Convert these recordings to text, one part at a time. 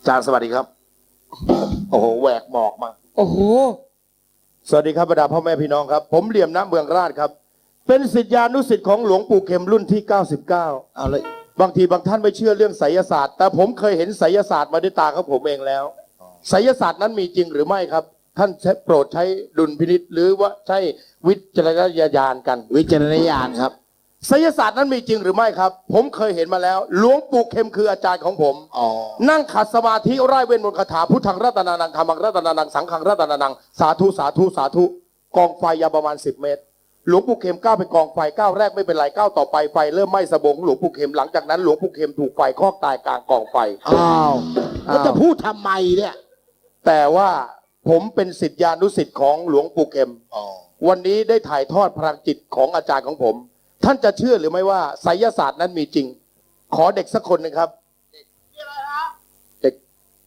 จารย์สวัสดีครับโอ้โหแหวกหมอกมาโอ้โหสวัสดีครับบรรดาพ่อแม่พี่น้องครับผมเหลี่ยมน้ำเมืองราชครับเป็นศิษยานุศิษย์ของหลวงปู่เข็มรุ่นที่99 เอาเลยบางทีบางท่านไม่เชื่อเรื่องไสยศาสตร์แต่ผมเคยเห็นไสยศาสตร์มาด้วยตาของผมเองแล้วไสยศาสตร์นั้นมีจริงหรือไม่ครับท่านโปรดใช้ดุลพินิจหรือว่าใช้วิจารณญาณกันวิจารณญาณครับไสยศาสตร์นั้นมีจริงหรือไม่ครับผมเคยเห็นมาแล้วหลวงปู่เข็มคืออาจารย์ของผมนั่งขัดสมาธิไร้เว้นมนต์คาถาพุทธังรัตนานังธรรมังรัตนานังสังฆังรัตนานังสาธุสาธุสาธุกองไฟยาวประมาณ10 เมตรหลวงปู่เข็มก้าวไปกองไฟก้าวแรกไม่เป็นไรก้าวต่อไปไฟเริ่มไหม้สะบงหลวงปู่เข็มหลังจากนั้นหลวงปู่เข็มถูกไฟคลอกตายกลางกองไฟอ้าวแล้วจะพูดทำไมเนี่ยแต่ว่าผมเป็นศิษยานุศิษย์ของหลวงปู่เข็มวันนี้ได้ถ่ายทอดพลังจิตของอาจารย์ของผมท่านจะเชื่อหรือไม่ว่าไสยศาสตร์นั้นมีจริงขอเด็กสักคนหนึ่งครับเด็ก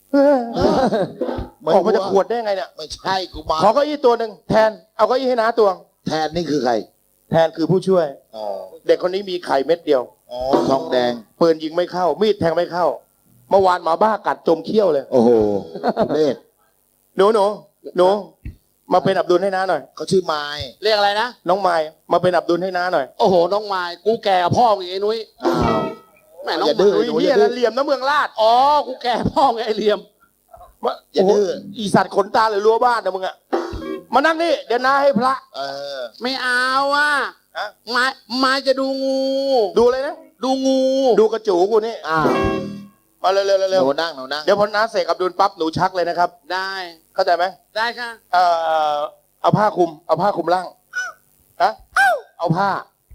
ออกมาจากขวดได้ไงเนี่ยไม่ใช่กูมาขอเก้าอี้ตัวหนึ่งแทนเอาเก้าอี้ให้น้าตัวแทนนี่คือใครแทนคือผู้ช่วยเด็กคนนี้มีไข่เม็ดเดียวทองแดงปืนยิงไม่เข้ามีดแทงไม่เข้าเมื่อวานหมาบ้ากัดจมเขี้ยวเลยโอ้โหเล่หนูมาเป็นอับดุลให้น้าหน่อยเขาชื่อไม้เรียกอะไรนะน้องไม้มาเป็นอับดุลให้น้าหน่อยโอ้โหน้องไม้กูแก่พ่อมึงไอ้นุ้ยแม่น้องดื้อเฮียแล้วเหลี่ยมน้ำเมืองลาดอ๋อกูแก่พ่อมึงไอ้เหลี่ยมอย่าดื้ออีสัตว์ขนตาหรือรั้วบ้านนะมึงอะมานั่งนี่เดี๋ยวน้าให้พระไม่เอาอ่ะมาจะดูงูดูเลยนะดูงูดูกระจูกูนี่มาเร็วหนูนั่งเดี๋ยวพอน้าเสกอับดุลปั๊บหนูชักเลยนะครับได้เข้าใจไหมได้ค่ะเอาผ้าคลุมร่างฮะเอาผ้า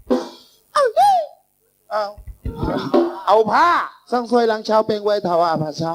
เอาผ้าสร้างซวยหลังเช้าเป็นไว้ถาวาพาเช้า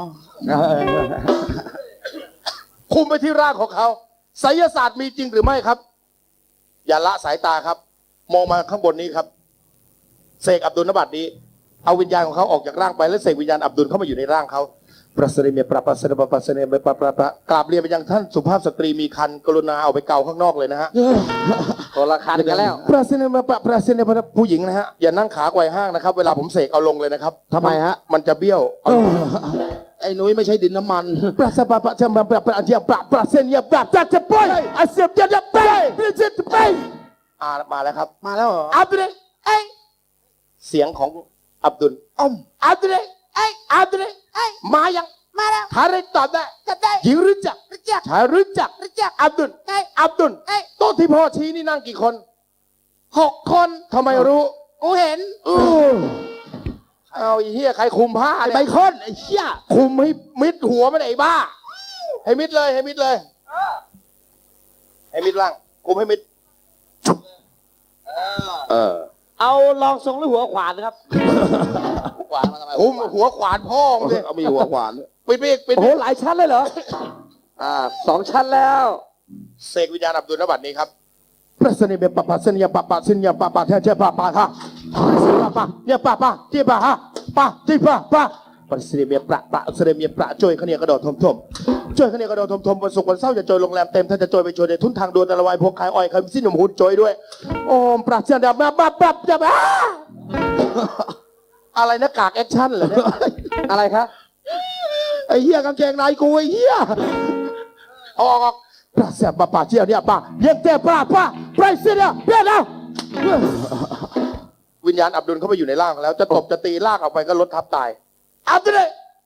คลุมไปที่ร่างของเขาไสยศาสตร์มีจริงหรือไม่ครับอย่าละสายตาครับมองมาข้างบนนี้ครับเสกอับดุลนบัตรนี้เอาวิญญาณของเขาออกจากร่างไปแล้วเสกวิญญาณอับดุลเข้ามาอยู่ในร่างเขาประเสริฐเมียประเสริฐประเสริฐเมียประกราบเรียนไปยังท่านสุภาพสตรีมีคันกรุณาเอาไปเกาข้างนอกเลยนะฮะตัวละคันกันแล้วประเสริฐผู้หญิงนะฮะอย่านั่งขาไกวห้างนะครับเวลาผมเสกเอาลงเลยนะครับทำไมฮะมันจะเบี้ยวไอ้นุ้ยไม่ใช่ดินน้ำมันประเสริฐจะมาประเดียประเสริฐเนี่ยจะไปอาเซียนจะไปจะไปมาแล้วครับมาแล้วเหรออับดุลเสียงของอับดุลอับดุลมายังมาแล้วถ้าได้ตอบได้หญิงรู้จักชายรู้จักอับดุลโต๊ะที่พ่อชี้นี่นั่งกี่คน 6 คนทำไมรู้กูเห็นเอาไอ้เหี้ยใครคุมผ้าไอ้ใบค้นไอ้เหี้ยคุมให้มิดหัวมันไอ้บ้าให้มิดเลยให้มิดล่างคุมให้มิดเอาลองทรงหรือหัวขวานครับขวานมาทำไมหัวขวานพ่อมึงเอามีหัวขวานปิดอีกโอ้โหหลายชั้นเลยเหรอ2 ชั้นแล้วเสกวิญญาณอับดุลนบัตรนี้ครับพระเสน่ห์เป็นปะเสน่ห์ปะเสน่ห์ปะเทปะฮะเนี่ยปะที่ปะฮะที่ปะพระเสน่ห์เป็นปะเสน่ห์เป็นประจ่อยขณีกระโดดทมจ่อยขณีกระโดดทมวันศุกร์วันเสาร์จะจ่อยโรงแรมเต็มท่านจะจ่อยไปจ่อยในทุนทางด่วนตะละวายพวกขายอ้อยขายสิ้นหนุ่มหุ่นจ่อยด้วยโอ้ประเสน่ห์มาจะอะไรนะกากแอคชั่นเหรอเนี่ยอะไรครับไอ้เหี้ยกางเกงในกูไอ้เหี้ยออกปราเสียปะเจียวเนี่ยปะเย็นเตะปะไปเสียเนี่ยเปลี่ยนแล้ววิญญาณอับดุลเข้าไปอยู่ในร่างแล้วจะตบจะตีลากออกไปก็ลดทับตายอับดุล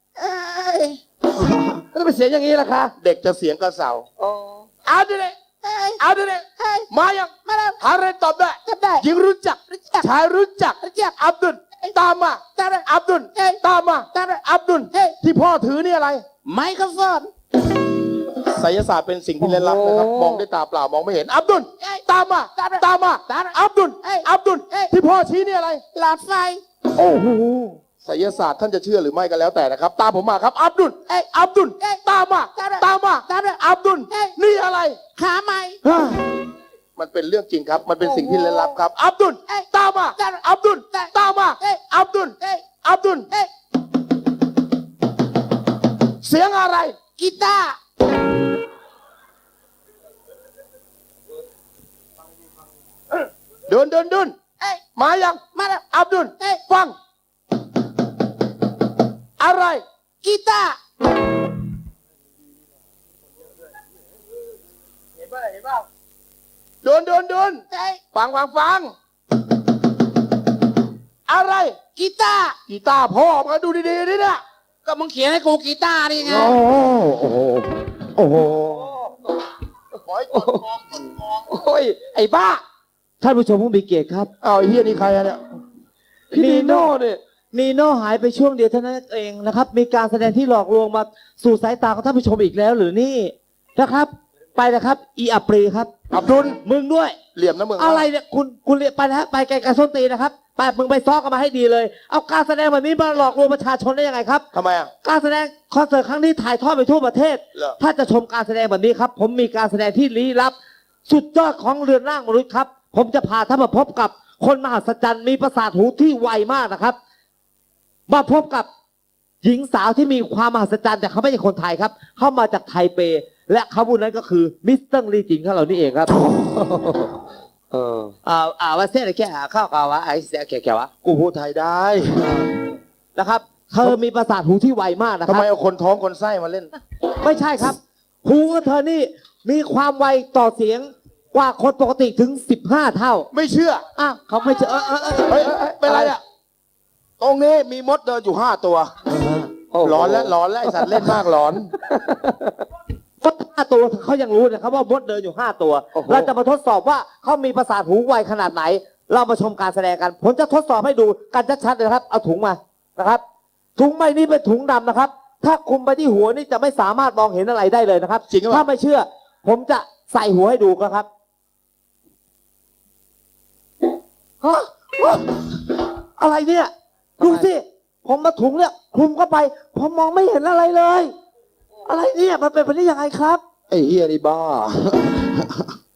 ก็เป็นเสียงอย่างนี้ล่ะคะเด็กจะเสียงกระเสาอับดุลมายังหาเรนตอบได้หญิงรู้จักชายรู้จักอับดุลตามมาอับดุลตามมาอับดุลที่พ่อถือนี่อะไรไมโครโฟนไสยศาสตร์เป็นสิ่งที่ลึกลับนะครับมองด้วยตาเปล่ามองไม่เห็นอับดุลตามมาอับดุลที่พ่อชี้นี่อะไรหลอดไฟโอ้โหไสยศาสตร์ท่านจะเชื่อหรือไม่ก็แล้วแต่นะครับตามผมมาครับอับดุลตามมาอับดุลนี่อะไรขาไม้มันเป็นเรื่องจริงครับมันเป็นสิ่งที่ลึกลับครับอับดุลตามมาอับดุลอับดุลเสียงอะไรกีตาร์เดินมายังมาแล้วอับดุลฟังอะไรกีตาร์เห็นป่ะโดนเฮ้ยฟังอะไรกีตาร์กีตาร์พ่อมาดูดีๆนี่นะก็มึงเขียนให้กูกีตาร์นี่ไงโอ้โหขอให้กดมองโอ้ย ไอ้บ้า ท่านผู้ชมผู้มีเกียรติครับเอาไอ้เฮียนี่ใครอะเนี่ยพี่นีโน่เนี่ยนีโน่หายไปช่วงเดียวเท่านั้นเองนะครับ มีการแสดงที่หลอกลวงมาสู่สายตาของท่านผู้ชมอีกแล้วหรือนี่นะครับ ไปนะครับ อีอัปรีครับอับดุลมึงด้วยเหลี่ยมนะมึงอะไรเนี่ยคุณเรียกไปนะฮะไปไกลๆส้นตีนนะครับไปมึงไปซ้อกันมาให้ดีเลย เอาการแสดงแบบนี้มาหลอกลวงประชาชนได้ยังไงครับทำไมอ่ะการแสดงคอนเสิร์ตครั้งนี้ถ่ายทอดไปทั่วประเทศเหรอถ้าจะชมการแสดงแบบนี้ครับ ผมมีการแสดงที่ลี้ลับ สุดยอดของเรือนร่างมนุษย์ครับ ผมจะพาท่านมาพบกับคนมหัศจรรย์มีประสาทหูที่ไวมากนะครับ มาพบกับหญิงสาวที่มีความมหัศจรรย์แต่เขาไม่ใช่คนไทยครับ เข้ามาจากไทเป และเขาผู้นั้นก็คือมิสเตอร์ลีจิงของเรานี่เองครับว่าเส้นอะไรแค่ข้าวกาวะไอ้เสียแก่วะกูพูดไทยได้นะครับ เธอมีประสาทหูที่ไวมากนะคทำรับไมเอาคนท้องคนไส้มาเล่นไม่ใช่ครับ หูของเธอนี่มีความไวต่อเสียงกว่าคนปกติถึง15 เท่าไม่เชื่ออ้าวเขาไม่เจอเฮ้ยเป็นไรอ่ะ ตรงนี้มีมดเดินอยู่5 ตัว ร้อนแล้วไอสัตว์เล่นมากร้อนมด5 ตัวเขายังรู้นะครับว่ามดเดินอยู่5 ตัวโอ้โหเราจะมาทดสอบว่าเขามีประสาทหูไวขนาดไหน เรามาชมการแสดงกัน ผมจะทดสอบให้ดูกันชัดๆเลยนะครับ เอาถุงมานะครับ ถุงใบนี้เป็นถุงดำนะครับ ถ้าคลุมไปที่หัวนี่จะไม่สามารถมองเห็นอะไรได้เลยนะครับจริงหรือเปถ้าล่าไม่เชื่อ ผมจะใส่หัวให้ดูครับฮะอะไรเนี่ยดูสิผมมาถุงเนี่ยคลุมเข้าไป ผมมองไม่เห็นอะไรเลย อะไรเนี่ยมันเป็นไปได้ยังไงครับไอ้เฮียนี่บ้า